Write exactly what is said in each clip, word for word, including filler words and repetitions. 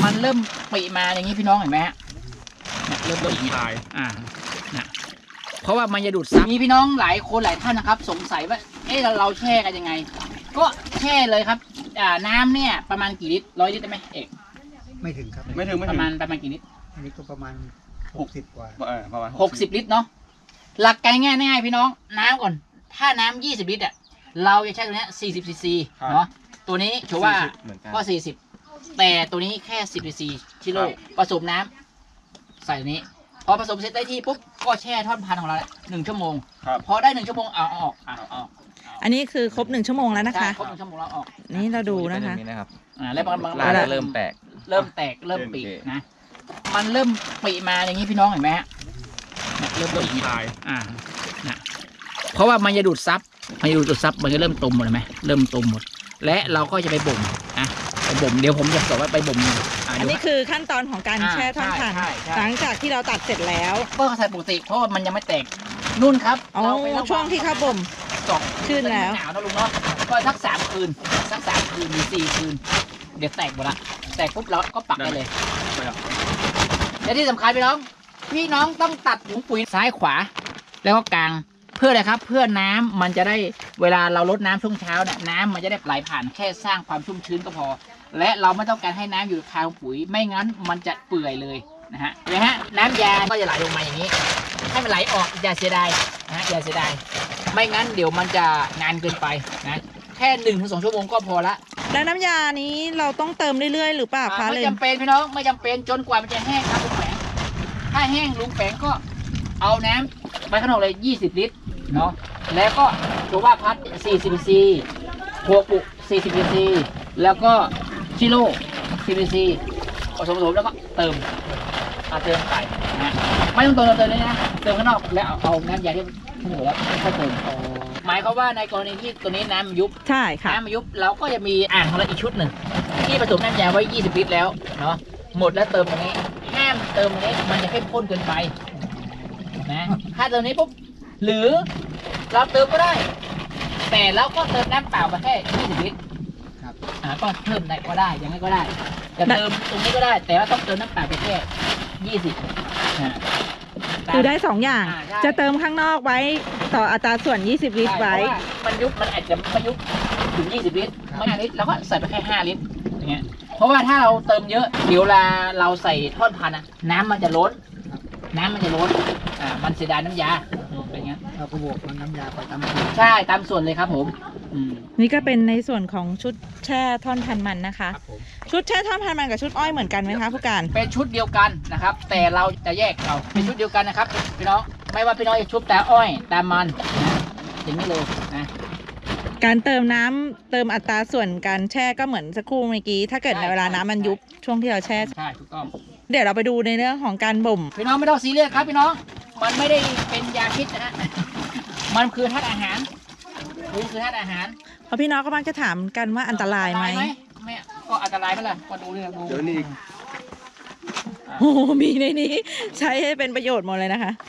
มันเริ่มปีมาอย่างนี้พี่น้องเห็นไหมฮะเริ่มปีคายอ่านะเพราะว่ามันจะดูดซับมีพี่น้องหลายคนหลายท่านนะครับสงสัยว่าเอ๊ะเราเราแช่กันยังไงก็แช่เลยครับอ่าน้ำเนี่ยประมาณกี่ลิตรร้อยลิตรได้ไหมเอกไม่ถึงครับไม่ถึงไม่ปถึงระมาณประมาณกี่ลิตรอันนี้ก็ประมาณหกสิบกว่าเออประมาณหกสิบลิตรเนาะหลักการง่ายง่ายพี่น้องน้ำก่อนถ้าน้ำยี่สิบลิตรอ่ะเราจะใช้ตัวนี้สี่สิบซีซีเนาะตัวนี้ถือว่าก็สี่สิบแต่ตัวนี้แค่สิบซีซีชิโร่ผสมน้ำใส่ตัวนี้พอผสมเสร็จได้ที่ปุ๊บก็แช่ท่อนพันธุ์ของเราหนึ่งชั่วโมงพอได้หนึ่งชั่วโมงเอาออกเอาออกอันนี้คือครบหนึ่งชั่วโมงแล้วนะคะครบหนึ่งชั่วโมงเราออกนี่เราดูนะคะอ่าแล้วบางบางเริ่มแตกเริ่มแตกเริ่มปีนะมันเริ่มปีมาอย่างนี้พี่น้องเห็นไหมฮะเริ่มปีคายอ่านะเพราะว่ามันจะดูดซับมันจะดูดซับมันจะเริ่มตุ่มหมดเลยไหมเริ่มตุ่มหมดและเราก็จะไปบ่มนะไปบ่มเดี๋ยวผมจะสอนว่าไปบ่มอันนี้คือขั้นตอนของการแช่ท่อนพันธุ์หลังจากที่เราตัดเสร็จแล้วก็ใส่ปกติเพราะว่ามันยังไม่แตกนุ่นครับอ๋อช่วงที่เขาบ่มสองคืนแล้วหนาวนะลุงเนาะก็สักสามคืนสักสามคืนหรือสี่คืนเดี๋ยวแตกหมดละแตกปุ๊บเราก็ปักได้เลยและที่สำคัญพี่น้องพี่น้องต้องตัดถุงปุ๋ยซ้ายขวาแล้วก็กลางเพื่ออะไรครับเพื่อน้ำมันจะได้เวลาเราลดน้ำช่วงเช้าเนี่ยน้ำมันจะได้ไหลผ่านแค่สร้างความชุ่มชื้นก็พอและเราไม่ต้องการให้น้ำอยู่คาปุ๋ยไม่งั้นมันจะเปื่อยเลยนะฮะเห็นไหมฮะน้ำยาก็จะไหลลงมาอย่างนี้ให้มันไหลออกอย่าเสียดายนะฮะอย่าเสียดายไม่งั้นเดี๋ยวมันจะนานเกินไปนะแค่หนึ่งถึงสองชั่วโมงก็พอละแล้วน้ำยานี้เราต้องเติมเรื่อยๆหรือเปล่าคะไม่จำเป็นพี่น้องไม่จำเป็นจนกว่ามันจะแห้งครับลุงแฝงถ้าแห้งลุงแฝงก็เอาน้ำไปข้างนอกเลยยี่สิบลิตรเนาะแล้วก็ตัวว่าพัดสี่สิบซีซีหัวปุกสี่สิบซีซีแล้วก็ชิโร่สิบซีซีผสมผสมแล้วก็เติมเอาเติมไปนะไม่ต้องเติมเติมเลยนะเติมข้างนอกแล้วเอาเอาน้ำยาที่ทั้งหมดแล้วค่อยเติมหมายความว่าในกรณีที่ตัวนี้น้ำยุบใช่ค่ะน้ำยุบเราก็จะมีอ่างของเราอีกชุดหนึ่งที่ผสมน้ำยาไว้ยี่สิบลิตรแล้วเนาะหมดแล้วเติมตรงนี้ห้ามเติมตรงนี้มันจะเข้มข้นเกินไปนะถ้าเติมนี้ปุ๊บหรือเราเติมก็ได้แต่เราก็เติมน้ำเปล่าไปแค่ยี่สิบลิตรครับอ่าก็เพิ่มได้ก็ได้อย่างนี้ก็ได้จะเติมตรงนี้ก็ได้แต่ว่าต้องเติมน้ำเปล่าไปแค่ยี่สิบอ่าคือได้สองอย่างจะเติมข้างนอกไว้ต่ออัตราส่วนยี่สิบลิตรไว้มันยุบมันอาจจะไม่ยุบถึงยี่สิบลิตรไม่ห้าลิตรเราก็ใส่ไปแค่ห้าลิตรอย่างเงี้ยเพราะว่าถ้าเราเติมเยอะเดี๋ยวเวลาเราใส่ทอดพันธุ์น้ำมันจะล้นน้ำมันจะล้นอ่ามันเสียดายน้ำยาเป็นงั้นเราก็บวกน้ำยาไปตามใช่ตามส่วนเลยครับผมนี่ก็เป็นในส่วนของชุดแช่ท่อนพันมันนะคะชุดแช่ท่อนพันมันกับชุดอ้อยเหมือนกันไหมคะผู้การเป็นชุดเดียวกันนะครับแต่เราจะแยกเราเป็นชุดเดียวกันนะครับพี่น้องไม่ว่าพี่น้องจะชุบแต่อ้อยแต่มันนะอย่างนี้เลยนะการเติมน้ำเติมอัตราส่วนการแช่ก็เหมือนสักครู่เมื่อกี้ถ้าเกิดในเวลาน้ำมันยุบช่วงที่เราแช่ใช่ถูกต้องเดี๋ยวเราไปดูในเรื่องของการบ่มพี่น้องไม่ต้องซีเรียสครับพี่น้องมันไม่ได้เป็นยาพิษนะฮะมันคือธาตุอาหารมันคือธาตุอาหารเพราะพี่น้องก็มักจะถามกันว่าอันตรายไหมไม่ก็อันตรายก็เลยก็ดูเลยดูเดี๋ยวนี้โอ้มีในนี้ใช้ให้เป็นประโยชน์หมดเลยนะคะ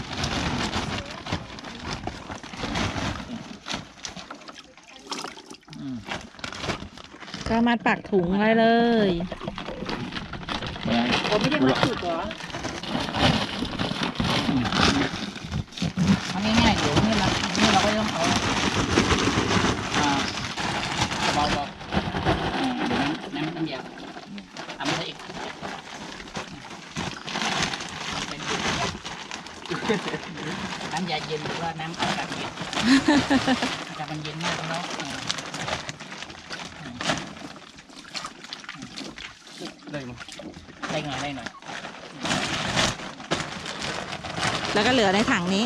ก็มาปักถุงไว้เลยผมไม่ได้มาสุดหรอทำง่ายๆเดี๋ยวนี่นะนี่เราก็ต้องเอาเบาๆน้ำน้ำยาทำอะไรอีกน้ำยาเย็นหรือว่าน้ำอากาศเย็นอากาศมันเย็นมากเนาะได้ไหมได้หน่อยได้หน่อยแล้วก็เหลือในถังนี้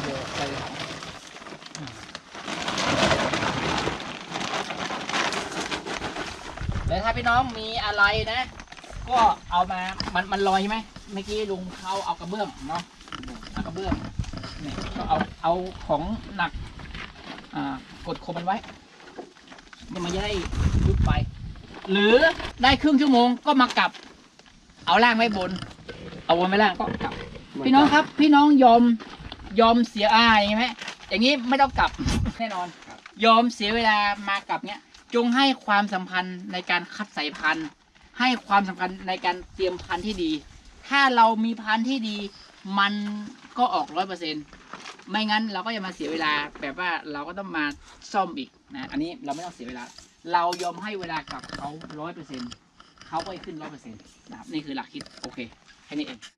แล้วถ้าพี่น้องมีอะไรนะก็เอามามันมันลอยใช่ไหมเมื่อกี้ลุงเขาเอากระเบื้องเนาะเอากระเบื้องนี่ก็เอาเอาของหนักอ่ากดข่มมันไว้มันจะได้ยุบไปหรือได้ครึ่งชั่วโมงก็มากลับเอาล่างไว้บนเอาบนไว้ล่างก็กลับพี่น้องครับพี่น้องยอมยอมเสียอายไหมอย่างนี้ไม่ต้องกลับแน่นอนยอมเสียเวลามากลับเนี้ยจงให้ความสัมพันธ์ในการคัดสายพันธุ์ให้ความสำคัญในการเตรียมพันธุ์ที่ดี ถ้าเรามีพันธุ์ที่ดี มันก็ออกร้อยเปอร์เซ็นต์ไม่งั้นเราก็จะมาเสียเวลาแบบว่าเราก็ต้องมาซ่อมอีกนะอันนี้เราไม่ต้องเสียเวลา เรายอมให้เวลากับเขาร้อยเปอร์เซ็นต์เขาก็จะขึ้นร้อยเปอร์เซ็นต์นะครับนี่คือหลักคิดโอเคแค่นี้เอง